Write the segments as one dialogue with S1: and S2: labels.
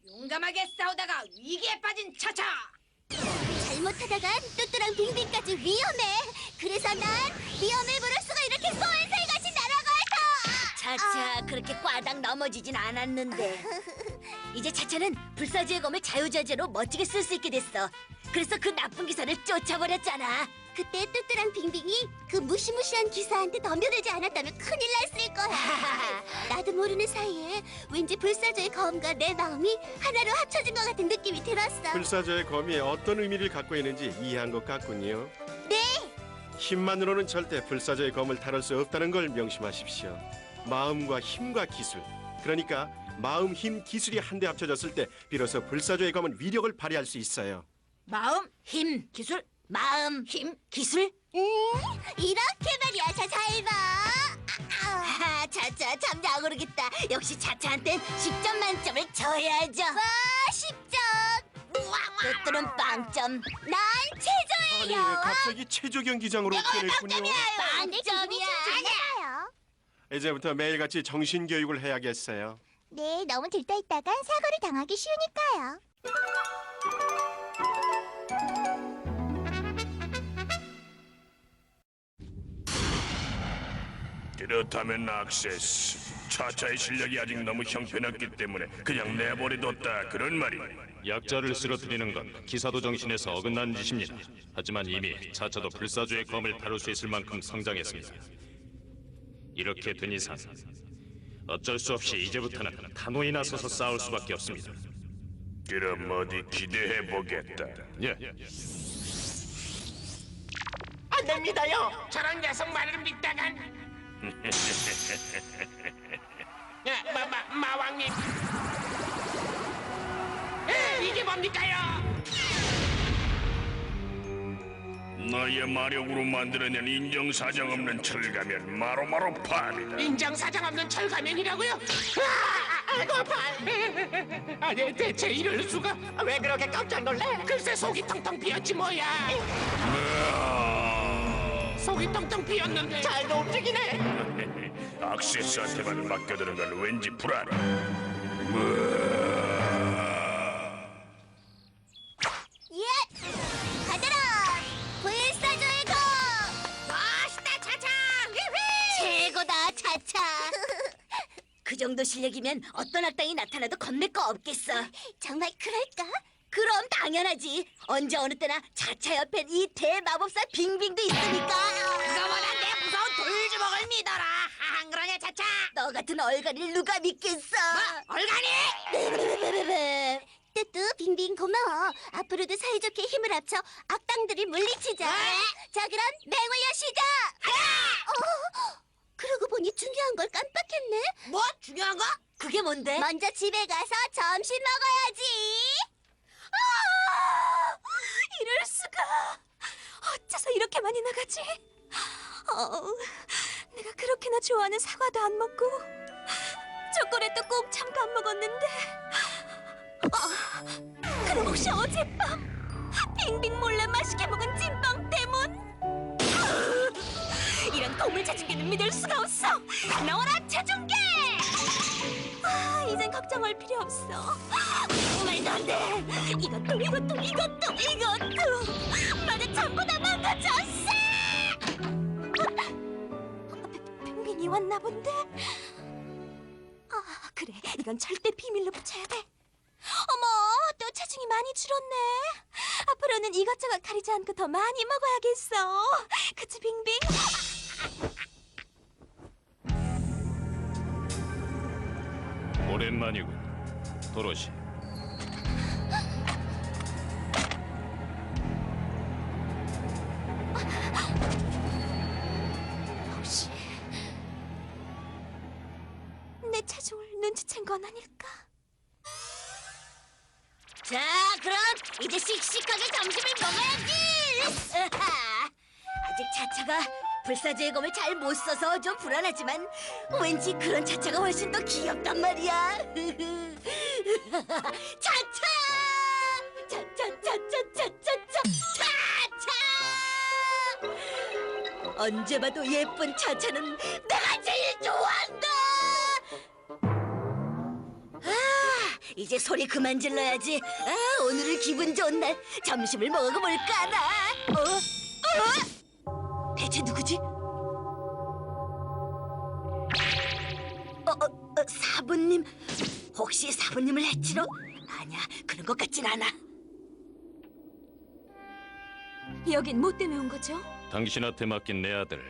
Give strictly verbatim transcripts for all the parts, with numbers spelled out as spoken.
S1: 용감하게 싸우다가 위기에 빠진 차차.
S2: 잘못하다간 뚜뚜랑 빙빙까지 위험해. 그래서 난 위험을 무릅쓰고 이렇게 쏜살같이 날아가서.
S3: 차차 그렇게 꽈당 넘어지진 않았는데 이제 차차는 불사조의 검을 자유자재로 멋지게 쓸 수 있게 됐어. 그래서 그 나쁜 기사를 쫓아버렸잖아.
S2: 그때 뚜뚜랑 빙빙이 그 무시무시한 기사한테 덤벼들지 않았다면 큰일 났을 거야. 나도 모르는 사이에 왠지 불사조의 검과 내 마음이 하나로 합쳐진 것 같은 느낌이 들었어.
S4: 불사조의 검이 어떤 의미를 갖고 있는지 이해한 것 같군요.
S2: 네.
S4: 힘만으로는 절대 불사조의 검을 다룰 수 없다는 걸 명심하십시오. 마음과 힘과 기술, 그러니까 마음, 힘, 기술이 한데 합쳐졌을 때 비로소 불사조의 검은 위력을 발휘할 수 있어요.
S3: 마음, 힘, 기술. 마음, 힘, 기술.
S2: 음, 이렇게 말이야. 자, 잘 봐.
S3: 아, 차차 참 잘 모르겠다. 역시 차차한텐 십 점 만점을 줘야죠.
S2: 와, 십 점.
S3: 뚜뚜는 빵점.
S2: 난
S4: 아니,
S2: 최저예요.
S4: 갑자기 체조 경기장으로 변했군요.
S3: 빵점이야.
S2: 아니야.
S4: 이제부터 매일같이 정신교육을 해야겠어요.
S2: 네, 너무 들떠 있다간 사고를 당하기 쉬우니까요.
S5: 그렇다면 악세스, 차차의 실력이 아직 너무 형편없기 때문에 그냥 내버려뒀다 그런 말이야.
S6: 약자를 쓰러뜨리는 건 기사도 정신에서 어긋난 짓입니다. 하지만 이미 차차도 불사조의 검을 다룰 수 있을 만큼 성장했습니다. 이렇게 된 이상 어쩔 수 없이 이제부터는 단호히 나서서 싸울 수밖에 없습니다.
S5: 그럼 어디 기대해 보겠다.
S6: 예.
S7: 안 됩니다요. 저런 녀석 말을 믿다간. 야, 마, 마, 마왕님. 에, 이게 뭡니까요?
S5: 너의 마력으로 만들어낸 인정사정 없는 철가면 마로마로 파괴다.
S7: 인정사정 없는 철가면이라고요? 아, 아이고 발. 아니 대체 이럴 수가? 왜 그렇게 깜짝 놀래? 글쎄 속이 텅텅 비었지 뭐야. 속이 텅텅 비었는데 잘도 움직이네.
S5: 악세스한테만 맡겨두는 건 왠지 불안해.
S2: 예! 가더라! 불사조의 검!
S3: 멋있다 차차. 최고다 차차. 그 정도 실력이면 어떤 악당이 나타나도 겁낼 거 없겠어.
S2: 정말 그럴까?
S3: 그럼 당연하지. 언제 어느 때나 차차 옆엔 이 대마법사 빙빙도 있으니까.
S1: 그거보다 내 무서운 돌주먹을 믿어라. 안 그러냐 차차?
S3: 너 같은 얼간이를 누가 믿겠어?
S1: 뭐? 얼간이?
S2: 뚜뚜 빙빙 고마워. 앞으로도 사이좋게 힘을 합쳐 악당들을 물리치자. 자 그럼 맹활려 시작! 어? 그러고 보니 중요한 걸 깜빡했네.
S1: 뭐 중요한 거?
S3: 그게 뭔데?
S2: 먼저 집에 가서 점심 먹어야지.
S3: 아, 이럴 수가. 어째서 이렇게 많이 나가지? 어, 내가 그렇게나 좋아하는 사과도 안 먹고 초콜릿도 꼭 참고 안 먹었는데. 어, 그럼 혹시 어젯밤 빙빙 몰래 맛있게 먹은 찐빵 때문? 이런 고물차중계는 믿을 수가 없어. 나와라 차중계! 아, 이젠 걱정할 필요 없어. 말도 안 돼. 이것도 이것도 이것도 이것도 나는 전부 다 망가졌어. 빙빙이 왔나 본데. 아 그래, 이건 절대 비밀로 붙여야 돼. 어머, 또 체중이 많이 줄었네. 앞으로는 이것저것 가리지 않고 더 많이 먹어야겠어. 그치 빙빙?
S6: 오랜만이군, 도로시.
S3: 혹시 내 체중을 눈치챈 건 아닐까? 자, 그럼 이제 씩씩하게 점심을 먹어야지. 아직 차차가 불사조의 검을 잘 못 써서 좀 불안하지만 왠지 그런 차차가 훨씬 더 귀엽단 말이야. 차차야! 차차차차차차차 차차! 언제 봐도 예쁜 차차는 내가 제일 좋아한다. 아,
S1: 이제 소리 그만 질러야지. 아, 오늘은 기분 좋은 날. 점심을 먹어볼까 나. 어? 어? 대체 누구지? 어, 어, 어, 사부님. 혹시 사부님을 해치러? 아니야, 그런 것 같진 않아.
S3: 여긴 뭐 때문에 온 거죠?
S6: 당신한테 맡긴 내 아들.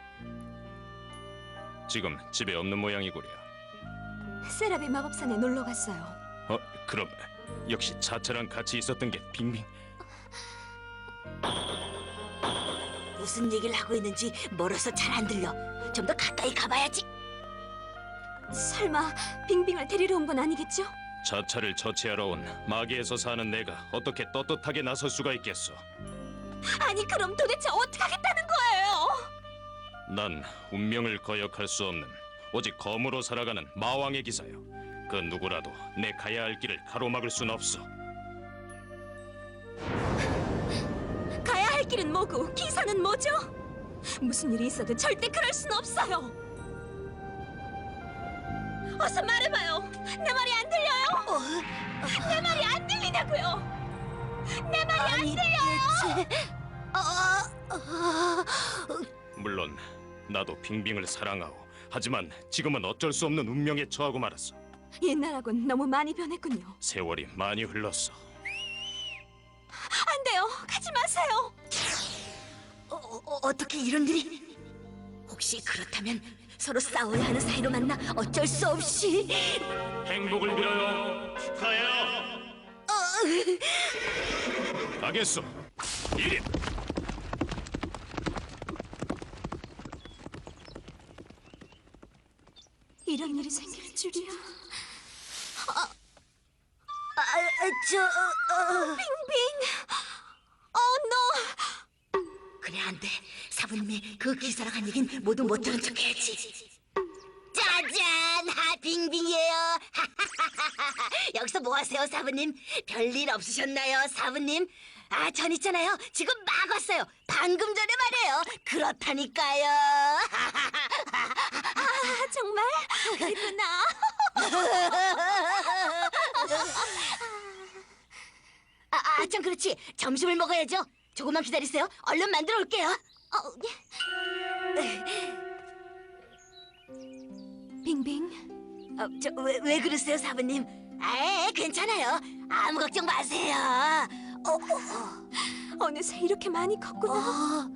S6: 지금 집에 없는 모양이구려.
S3: 세라비 마법산에 놀러 갔어요.
S6: 어, 그럼 역시 차차랑 같이 있었던 게 빙빙.
S1: 무슨 얘기를 하고 있는지 멀어서 잘 안 들려. 좀 더 가까이 가봐야지.
S3: 설마 빙빙을 데리러 온 건 아니겠죠?
S6: 차차를 처치하러 온 마계에서 사는 내가 어떻게 떳떳하게 나설 수가 있겠어?
S3: 아니 그럼 도대체 어떻게 하겠다는 거예요?
S6: 난 운명을 거역할 수 없는 오직 검으로 살아가는 마왕의 기사요. 그 누구라도 내 가야 할 길을 가로막을 순 없어.
S3: 가야 할 길은 뭐고 기사는 뭐죠? 무슨 일이 있어도 절대 그럴 순 없어요. 어서 말해봐요. 내 말이 안 들려요? 내 말이 안 들리냐고요? 내 말이 안 들려요?
S1: 어, 어,
S6: 물론 나도 빙빙을 사랑하오. 하지만 지금은 어쩔 수 없는 운명에 처하고 말았어.
S3: 옛날하고는 너무 많이 변했군요.
S6: 세월이 많이 흘렀어.
S3: 안 돼요. 가지 마세요.
S1: 어, 어, 어떻게 이런 일이? 혹시 그렇다면 서로 싸워야 하는 사이로 만나 어쩔 수 없이.
S6: 행복을 빌어요. 축하해요. 가겠소. 이리.
S3: 이런 일이 생길 줄이야.
S1: 아, 아, 저, 어, 어.
S3: 빙빙. 어, 너.
S1: 그래 안 돼. 사부님이 그 기사랑 한 얘긴 모두 못 들은 척해야지. 짜잔, 하 빙빙이에요. 여기서 뭐 하세요, 사부님? 별일 없으셨나요, 사부님? 아, 전 있잖아요. 지금 막 왔어요. 방금 전에 말이에요. 그렇다니까요.
S3: 아, 정말? 그랬구나.
S1: 아, 아, 참 그렇지. 점심을 먹어야죠. 조금만 기다리세요. 얼른 만들어 올게요.
S3: 어, 예. 빙빙.
S1: 어, 저, 왜, 왜 그러세요, 사부님? 아, 괜찮아요. 아무 걱정 마세요. 어, 어,
S3: 어느새 이렇게 많이 컸구나.
S1: 어.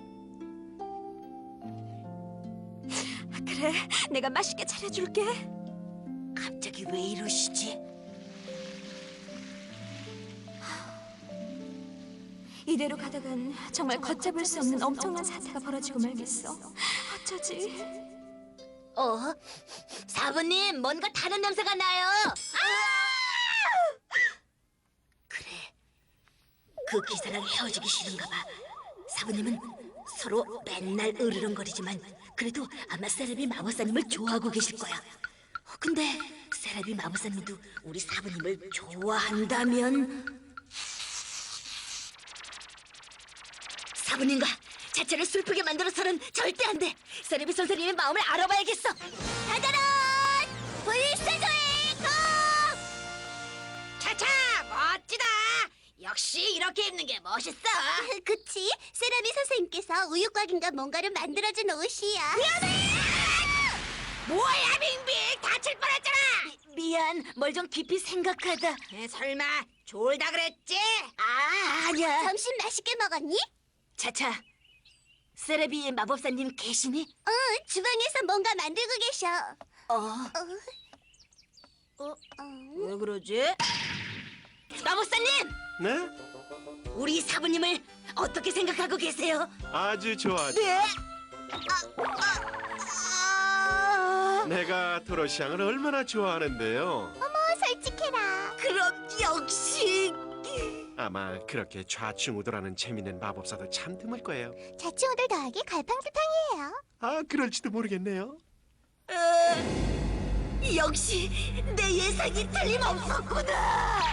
S3: 그래, 내가 맛있게 차려줄게.
S1: 갑자기 왜 이러시지?
S3: 이대로 가다간 정말 걷잡을 수 없는 엄청난 사태가 벌어지고 말겠어. 어쩌지?
S1: 어? 사부님, 뭔가 다른 냄새가 나요. 아! 그래, 그 기사랑 헤어지기 싫은가 봐. 사부님은 서로 맨날 으르렁거리지만 그래도 아마 세라비 마법사님을 좋아하고 계실 거야. 어, 근데 세라비 마법사님도 우리 사부님을 좋아한다면 사부님과 자체를 슬프게 만들어서는 절대 안 돼. 세라비 선생님의 마음을 알아봐야겠어. 다다란! 불사조의 검! 차차, 멋지다. 역시 이렇게 입는 게 멋있어.
S2: 그치? 세라미 선생님께서 우유곽인가 뭔가를 만들어준 옷이야.
S1: 뭐야, 빙빙! 다칠 뻔했잖아. 미, 미안, 뭘 좀 깊이 생각하다. 에, 설마 졸다 그랬지? 아, 아니야.
S2: 점심 맛있게 먹었니?
S1: 차차, 세라비 마법사님 계시니?
S2: 응, 주방에서 뭔가 만들고 계셔.
S1: 어,
S2: 어, 어.
S1: 왜 그러지? 마법사님,
S4: 네?
S1: 우리 사부님을 어떻게 생각하고 계세요?
S4: 아주 좋아.
S1: 네?
S4: 내가 도로시앙을 얼마나 좋아하는데요.
S2: 어머, 솔직해라.
S1: 그럼 역시
S4: 아마 그렇게 좌충우돌하는 재밌는 마법사도 참 드물 거예요.
S2: 자취오들 더하기 갈팡질팡이에요.
S4: 아, 그럴지도 모르겠네요.
S1: 어, 역시 내 예상이 틀림없었구나.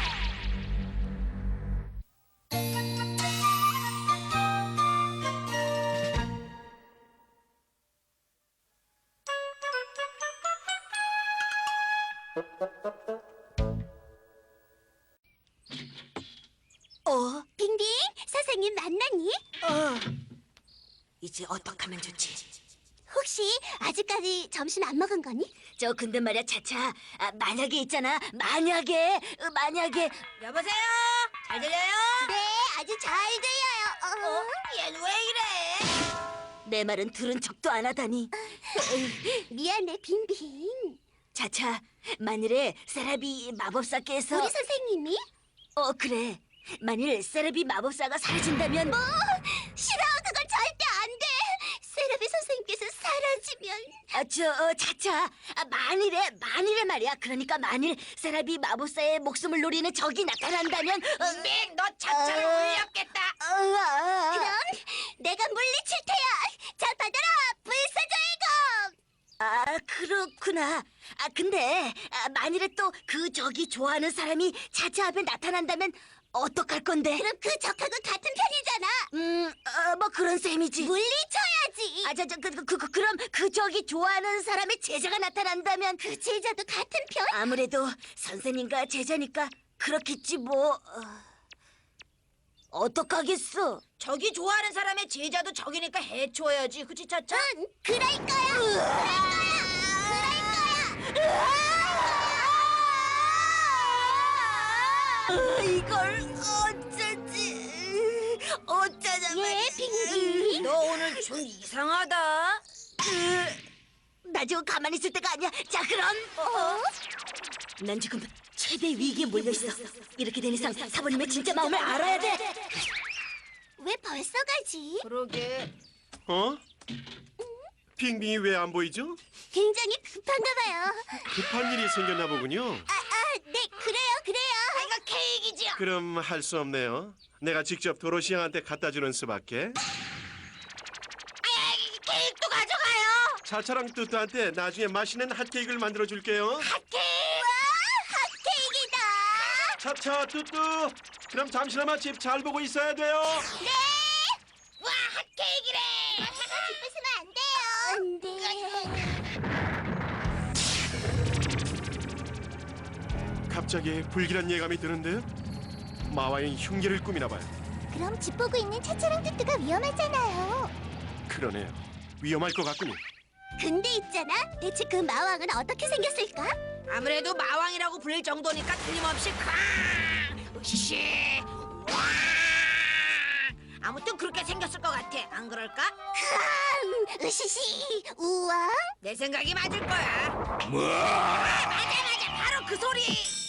S2: 선생님 만났니?
S1: 어. 이제 어떡하면 좋지?
S2: 혹시 아직까지 점심 안 먹은 거니?
S1: 저 근데 말이야 차차 아, 만약에 있잖아 만약에 어, 만약에 여보세요 잘 들려요?
S2: 네, 아주 잘 들려요. 어?
S1: 얘는 왜 이래? 내 말은 들은 척도 안 하다니.
S2: 미안해, 빙빙.
S1: 차차 만일에 세라비 마법사께서
S2: 우리 선생님이?
S1: 어 그래 만일 세라비 마법사가 사라진다면
S2: 뭐? 싫어, 그건 절대 안 돼. 세라비 선생님께서 사라지면
S1: 아저 어, 차차 아, 만일에 만일에 말이야 그러니까 만일 세라비 마법사의 목숨을 노리는 적이 나타난다면 빙빙 너 차차를 울렸겠다. 어, 어,
S2: 그럼 내가 물리칠 테야. 자, 받아라, 불사조의 검.
S1: 아 그렇구나. 아 근데 아, 만일에 또 그 적이 좋아하는 사람이 차차 앞에 나타난다면 어떡할 건데?
S2: 그럼 그 적하고 같은 편이잖아.
S1: 음, 어, 뭐 그런 셈이지.
S2: 물리쳐야지.
S1: 아, 저, 저, 그, 그, 그, 그럼 그 적이 좋아하는 사람의 제자가 나타난다면
S2: 그 제자도 같은 편?
S1: 아무래도 선생님과 제자니까 그렇겠지 뭐. 어... 어떡하겠어? 적이 좋아하는 사람의 제자도 적이니까 해쳐야지, 그치 차차?
S2: 응, 그럴 거야. 그럴 거야. 그럴 거야.
S1: 아, 이걸 어쩌지? 어쩌자면
S2: 예, 빙빙.
S1: 너 오늘 좀 이상하다. 나 지금 가만히 있을 때가 아니야. 자 그럼
S2: 어?
S1: 난 지금 최대 위기에 몰려 있어. 이렇게 된 이상 사부님의 진짜 마음을 알아야 돼.
S2: 왜 벌써 가지?
S1: 그러게.
S4: 어? 빙빙이 왜 안 보이죠?
S2: 굉장히 급한가 봐요.
S4: 급한 일이 생겼나 보군요.
S2: 아, 아, 네, 그래요, 그래요.
S1: 아, 이거 케이크지요.
S4: 그럼 할 수 없네요. 내가 직접 도로시 양한테 갖다 주는 수밖에.
S1: 케이크도 가져가요.
S4: 차차랑 뚜뚜한테 나중에 맛있는 핫케이크를 만들어 줄게요.
S1: 케이크.
S2: 핫케이크다.
S4: 차차 뚜뚜. 그럼 잠시나마 집 잘 보고 있어야 돼요.
S2: 네.
S1: 와 핫케이크래.
S2: 기쁘시면 안 돼요. 안 돼.
S4: 갑자기 불길한 예감이 드는데요. 마와의 흉기를 꾸미나 봐요.
S2: 그럼 집 보고 있는 차차랑 뚜뚜가 위험하잖아요.
S4: 그러네요. 위험할 것 같군요.
S2: 근데 있잖아. 대체 그 마왕은 어떻게 생겼을까?
S1: 아무래도 마왕이라고 불릴 정도니까 틀림없이 쾅! 으시시! 와! 아무튼 그렇게 생겼을 것 같아. 안 그럴까?
S2: 음, 으시시. 우와.
S1: 내 생각이 맞을 거야. 뭐? 아, 맞아 맞아. 바로 그 소리.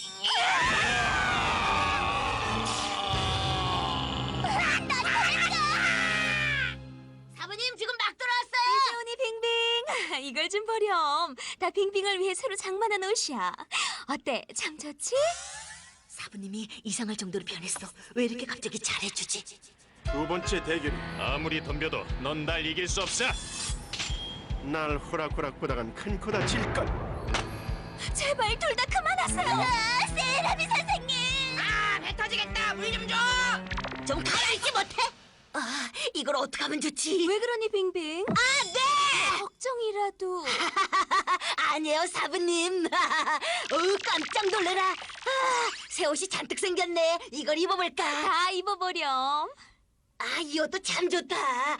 S1: 사부님 지금 막 들어왔어요.
S3: 언니 빙빙. 이걸 좀 보렴. 다 빙빙을 위해 새로 장만한 옷이야. 어때? 참 좋지?
S1: 사부님이 이상할 정도로 변했어. 왜 이렇게 갑자기 잘해주지?
S4: 두 번째 대결.
S6: 아무리 덤벼도 넌 날 이길 수 없어.
S4: 날 호락호락 보다간 큰 코 다칠 것.
S3: 제발 둘 다 그만하세요.
S2: 아, 세라비 선생님.
S1: 아, 배 터지겠다. 물 좀 줘. 좀 가만히 있지 못해? 아, 이걸 어떻게 하면 좋지?
S3: 왜 그러니 빙빙?
S1: 아, 네.
S3: 걱정이라도.
S1: 아니에요, 사부님. 어우, 깜짝 놀래라. 아, 새 옷이 잔뜩 생겼네. 이걸 입어볼까?
S3: 다 입어보렴.
S1: 아, 이 옷도 참 좋다.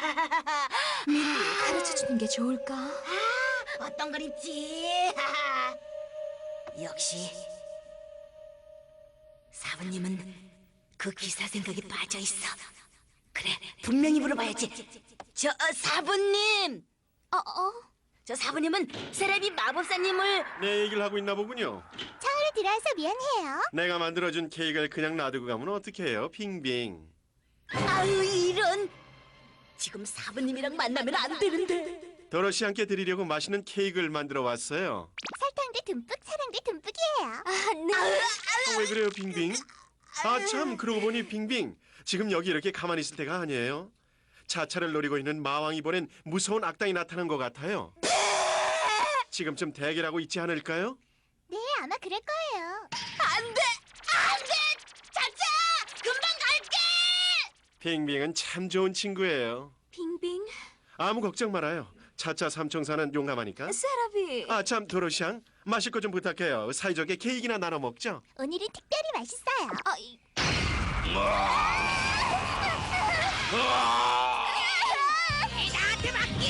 S3: 가르쳐주는 게 좋을까?
S1: 아, 어떤 걸 입지? 역시 사부님은 그 기사 생각에 빠져 있어. 그래, 분명히 물어봐야지. 저 어, 사부님,
S2: 어, 어.
S1: 저 사부님은 세라비 마법사님을
S4: 내 얘기를 하고 있나 보군요.
S2: 처음으로 들어와서 미안해요.
S4: 내가 만들어준 케이크를 그냥 놔두고 가면 어떡해요, 빙빙.
S1: 아유 이런. 지금 사부님이랑 만나면 안 되는데.
S4: 도로시 함께 드리려고 맛있는 케이크를 만들어 왔어요.
S2: 설탕도 듬뿍, 사랑도 듬뿍이에요.
S3: 아, 네.
S4: 어, 왜 그래요, 빙빙? 아, 참, 그러고 보니 빙빙. 지금 여기 이렇게 가만히 있을 때가 아니에요. 차차를 노리고 있는 마왕이 보낸 무서운 악당이 나타난 것 같아요. 지금쯤 대결하고 있지 않을까요?
S2: 네, 아마 그럴 거예요.
S1: 안 돼, 안 돼. 차차, 금방 갈게.
S4: 빙빙은 참 좋은 친구예요.
S3: 빙빙.
S4: 아무 걱정 말아요. 차차 삼총사는 용감하니까.
S3: 세라비.
S4: 아, 참, 도로시양. 마실 거 좀 부탁해요. 사이좋게 케이크나 나눠 먹죠.
S2: 오늘은 특별히 맛있어요.
S3: 어, 이-
S2: 아,
S3: 나한테 맡겨.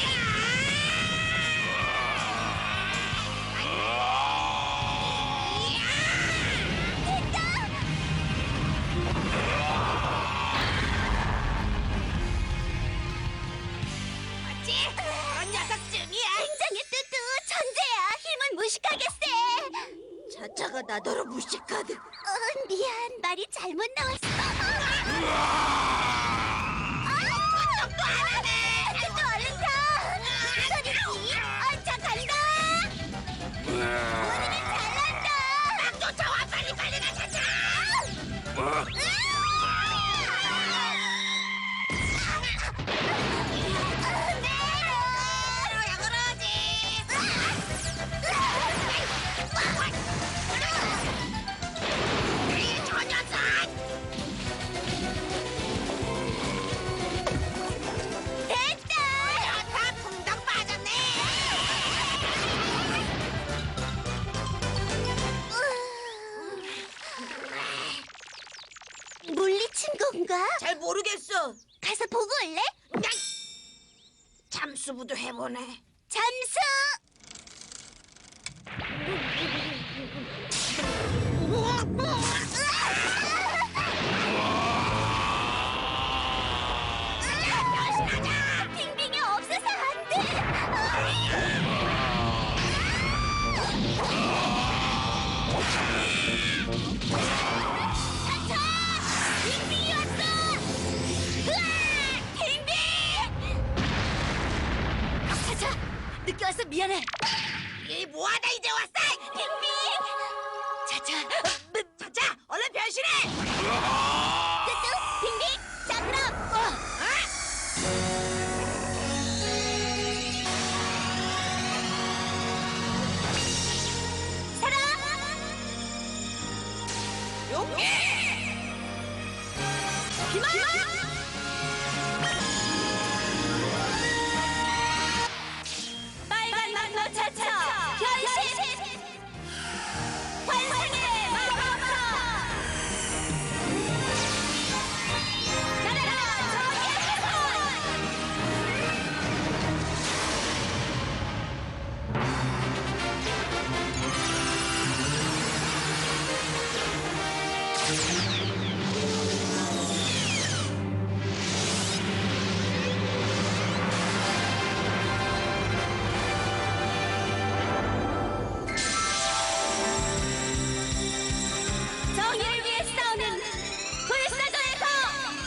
S3: 맞지? 그런 녀석쯤이야.
S2: 굉장히 뚜뚜 천재야. 힘은 무식하게 세.
S1: 차차가 나더러 무식하듯.
S2: 어, 미안 말이 잘못 나왔어.
S3: 똑똑도 안 하네.
S2: 뚜뚜 얼른 타. 소리지. 얼차 간다. 우리는 잘난다.
S3: 막 쫓아와. 빨리 빨리 가 차차. 왜 그러지? 저 녀석!
S2: 됐다.
S3: 다 붕덩 빠졌네.
S2: 물리친 건가?
S1: 잘 모르겠어.
S2: 가서 보고 올래?
S1: 잠수부도 해보네.
S2: 잠수. 빙빙이 없어서 안 돼. 차차! 빙빙이 왔어! 으아! 빙빙!
S1: 차차, 늦게 와서 미안해.
S3: 이 뭐하다 이제 왔어?
S2: 빙빙!
S1: 차차,
S3: 차차, 얼른 변신해.
S2: 뚜뚜, 빙빙! 자 그럼! 사랑!
S3: 용기.
S2: 기마! 빨간 망로 차차! 변신! 환생의 마법사! 날아라 정의의 손! 정의를 위해 싸우는 불사조의 검!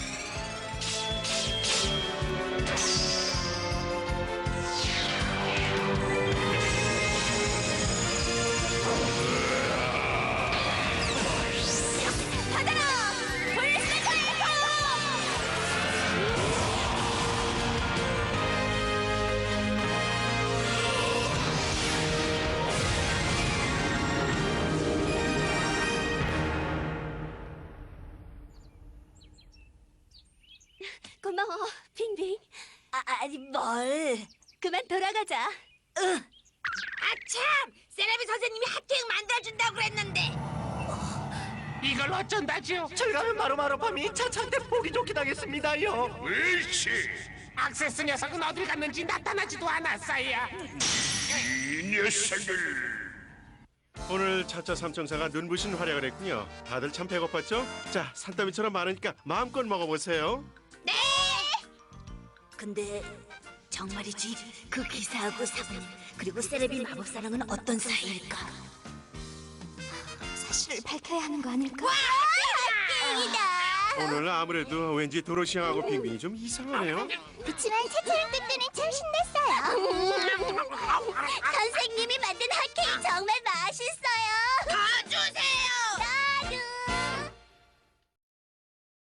S2: 받아라! 불사조의 검! 고마워, 빙빙.
S1: 아, 아니 뭘?
S2: 그만 돌아가자.
S3: 아참, 세라비 선생님이 하트행 만들어준다고 그랬는데.
S7: 이걸 어쩐다죠? 저희라면 바로바로 밤이 차차한테 보기 좋게 당했습니다요.
S5: 옳지.
S7: 악세스 녀석은 어딜 갔는지 나타나지도 않았어요.
S5: 이 녀석을.
S4: 오늘 차차 삼총사가 눈부신 활약을 했군요. 다들 참 배고팠죠? 자, 산더미처럼 많으니까 마음껏 먹어보세요.
S1: 근데 정말이지 그 기사하고 사부님 그리고 세레비 마법사랑은 어떤 사이일까?
S2: 사실을 밝혀야 하는 거 아닐까? 와! 빙이다.
S4: 오늘 아무래도 왠지 도로시앙하고 빙빙이 좀 이상하네요.
S2: 그치만 차차랑 뚜뚜는 참 신났어요.